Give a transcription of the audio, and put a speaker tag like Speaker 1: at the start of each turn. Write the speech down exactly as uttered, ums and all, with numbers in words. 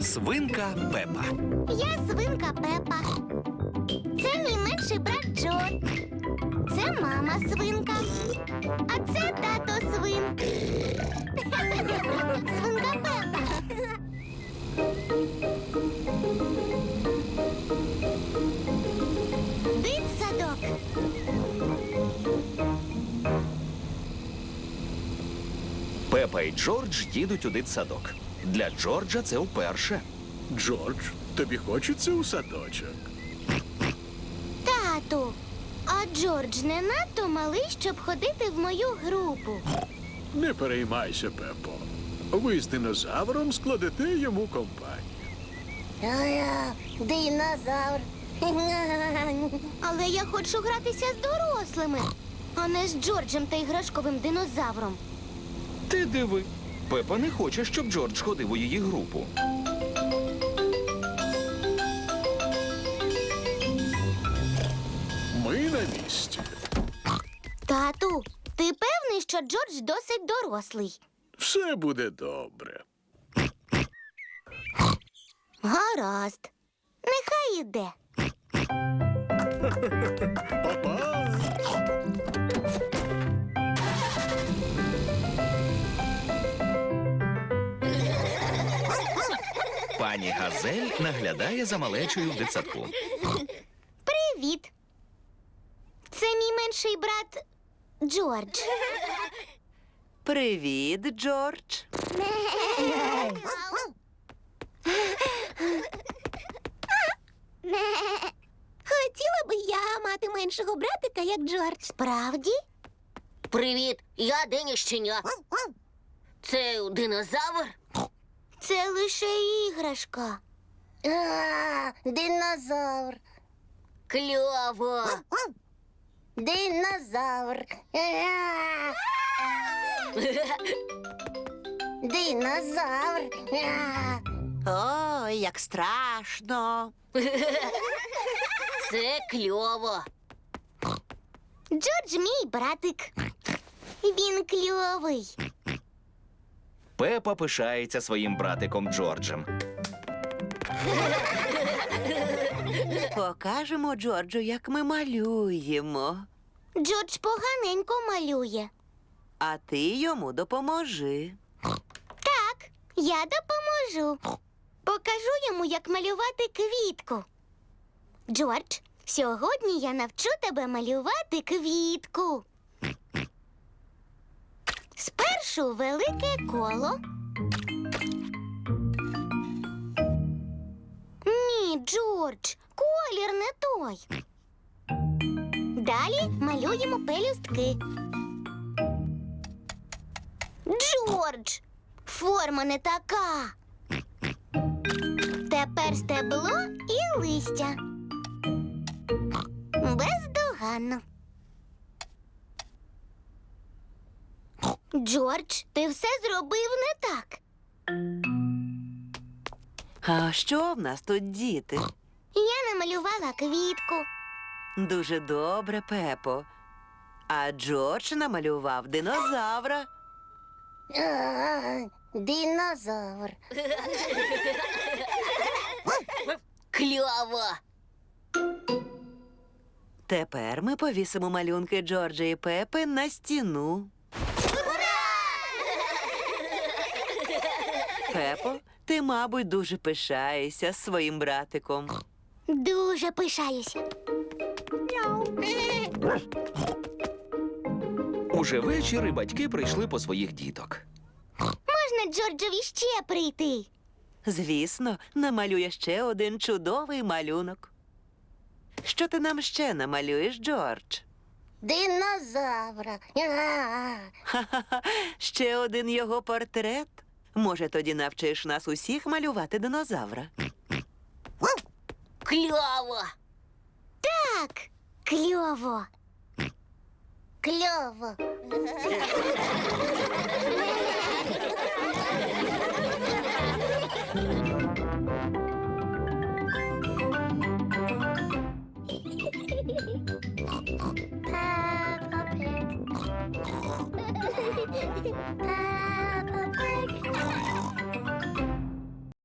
Speaker 1: Свинка Пепа.
Speaker 2: Я свинка Пепа. Це мій менший брат Джо. Це мама свинка. А це тато свин. Свинка Пепа. Дитсадок.
Speaker 1: Пепа і Джордж їдуть у дитсадок. Для Джорджа це вперше.
Speaker 3: Джордж, тобі хочеться у садочок?
Speaker 2: Тату, а Джордж не надто малий, щоб ходити в мою групу.
Speaker 3: Не переймайся, Пепо. Ви з динозавром складете йому компанію.
Speaker 2: Динозавр. Але я хочу гратися з дорослими, а не з Джорджем та іграшковим динозавром.
Speaker 1: Ти диви. Пепа не хоче, щоб Джордж ходив у її групу.
Speaker 3: Ми на місці.
Speaker 2: Тату, ти певний, що Джордж досить дорослий?
Speaker 3: Все буде добре.
Speaker 2: Гаразд. Нехай іде.
Speaker 3: Па-па!
Speaker 1: Пані Газель наглядає за малечою в дитсадку.
Speaker 2: Привіт. Це мій менший брат Джордж.
Speaker 4: Привіт, Джордж.
Speaker 2: Хотіла би я мати меншого братика, як Джордж. Справді?
Speaker 5: Привіт, я Дені Щеня. Це динозавр?
Speaker 2: Це лише іграшка.
Speaker 5: А, динозавр. Кльово. Динозавр. Динозавр.
Speaker 4: Ой, як страшно.
Speaker 5: Це кльово.
Speaker 2: Джордж мій братик. Він кльовий.
Speaker 1: Пепа пишається своїм братиком Джорджем.
Speaker 4: Покажемо Джорджу, як ми малюємо.
Speaker 2: Джордж поганенько малює.
Speaker 4: А ти йому допоможи.
Speaker 2: Так, я допоможу. Покажу йому, як малювати квітку. Джордж, сьогодні я навчу тебе малювати квітку. Спершу велике коло. Ні, Джордж, колір не той. Далі малюємо пелюстки. Джордж, форма не така. Тепер стебло і листя. Бездоганно. Джордж, ти все зробив не так.
Speaker 4: А що в нас тут, діти?
Speaker 2: Я намалювала квітку.
Speaker 4: Дуже добре, Пепо. А Джордж намалював динозавра.
Speaker 5: А, динозавр. Кльово.
Speaker 4: Тепер ми повісимо малюнки Джорджа і Пепи на стіну. Пепо, ти, мабуть, дуже пишаєшся своїм братиком.
Speaker 2: Дуже пишаюся.
Speaker 1: Уже ввечері батьки прийшли по своїх діток.
Speaker 2: Можна Джорджові ще прийти?
Speaker 4: Звісно, намалює ще один чудовий малюнок. Що ти нам ще намалюєш, Джордж?
Speaker 5: Динозавра. А,
Speaker 4: Ха-ха-ха, ще один його портрет. Може, тоді навчиш нас усіх малювати динозавра?
Speaker 5: кльово.
Speaker 2: Так, кльово.
Speaker 5: Кльово.